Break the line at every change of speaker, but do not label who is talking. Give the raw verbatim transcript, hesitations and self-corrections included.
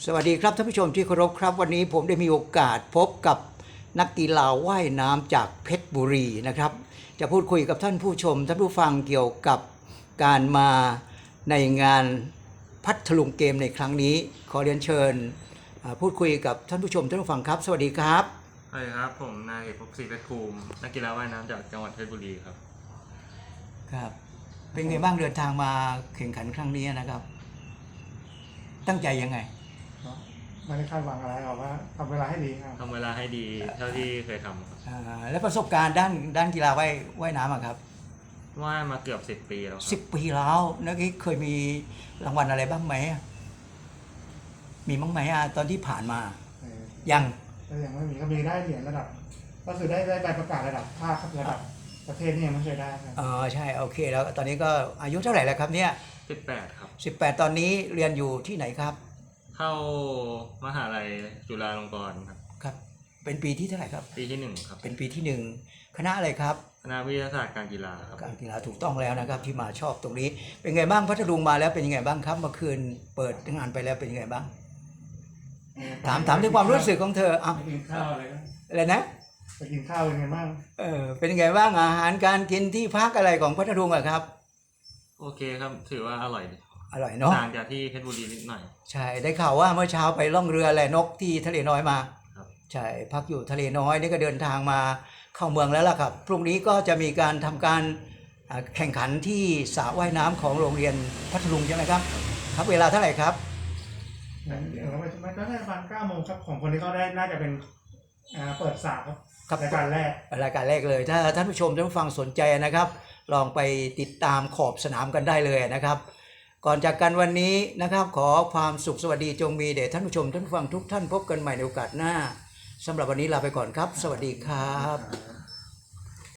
สวัสดีครับท่านผู้ชมที่เคารพครับวันนี้ผมได้มีโอกาสพบกับนักกีฬาว่ายน้ำจากเพชรบุรีนะครับจะพูดคุยกับท่านผู้ชมท่านผู้ฟังเกี่ยวกับการมาในงานพัทลุงเกมในครั้งนี้ขอเรียนเชิญพูดคุยกับท่านผู้ชมท่านผู้ฟังครับสวัสดีครับ
สวัสดีครับผมนายเอกภพศรีเพชรภูมินักกีฬาว่ายน้ำจากจังหวัดเพชรบุรีครับ
ครับเป็นไงบ้างเดินทางมาแข่งขันครั้งนี้นะครับตั้งใจยังไง
ไม่ได้คาดหวังอะไรหรอกว่าทำเวลาให้ดีครับ
ทำเวลาให้ดีเท่าที่เคยทำครับ
แล้วประสบการณ์ด้านด้านกีฬาว่ายว่ายน้ำครับ
ว่ายมาเกือบสิบปีแล้ว
สิบปีแล้วนักกีฬาเคยมีรางวัลอะไรบ้างไหมมีบ้างไหมตอนที่ผ่านมายัง
ก็ยังไม่มีก็มีได้เหรียญระดับก็คือได้ได้ใบประกาศระดับภาคระดับประเทศนี่ยังไม่เคยได้ครับ
อ๋อใช่โอเคแล้วตอนนี้ก็อายุเท่าไหร่แล้วครับเนี่ย
สิบแปดครับ
สิบแปดตอนนี้เรียนอยู่ที่ไหนครับ
เข้ามหาลัยจุฬาลงกรณ์ครับ
ครับเป็นปีที่เท่าไหร่ครับ
ปีที่หนึ่งครับ
เป็นปีที่หนึ่งคณะอะไรครับ
คณะวิทยาศาสตร์การกีฬาครับ
การกีฬาถูกต้องแล้วนะครับที่มาชอบตรงนี้เป็นไงบ้างพัทลุงมาแล้วเป็นยังไงบ้างครับเมื่อคืนเปิดงานไปแล้วเป็นยังไงบ้างถามถามถึงความรู้สึกของเธออ่ะ
กินข้าวอะไรก็
อะไรนะ
ไปกินข้าวเป็นไงบ้าง
เออเป็นยังไงบ้างอาหารการกินที่พักอะไรของพัทลุงอะครับ
โอเคครับถือว่าอร่อย
อร่อยเนาะ
ต่างจากที่เพชรบุรีนิดหน่อย
ใช่ได้ข่าวว่าเมื่อเช้าไปล่องเรือแหละนกที่ทะเลน้อยมา
ครับ
ใช่พักอยู่ทะเลน้อยนี่ก็เดินทางมาเข้าเมืองแล้วล่ะครับพรุ่งนี้ก็จะมีการทำการแข่งขันที่สระว่ายน้ำของโรงเรียนพัทลุงใช่ไหมครับครับเวลาเท่าไหร่ครับ
เดี๋ยวไปมันก็ได้ประมาณเก้าโมงครับของคนที่เขาได้น่าจะเป็นเปิดสระครับรายการแรก
รายการแรกเลยถ้าท่านผู้ชมท่านผู้ฟังสนใจนะครับลองไปติดตามขอบสนามกันได้เลยนะครับก่อนจากกันวันนี้นะครับขอความสุขสวัสดีจงมีแด่ท่านผู้ชมท่านผู้ฟังทุกท่านพบกันใหม่ในโอกาสหน้าสำหรับวันนี้ลาไปก่อนครับสวัสดีครับ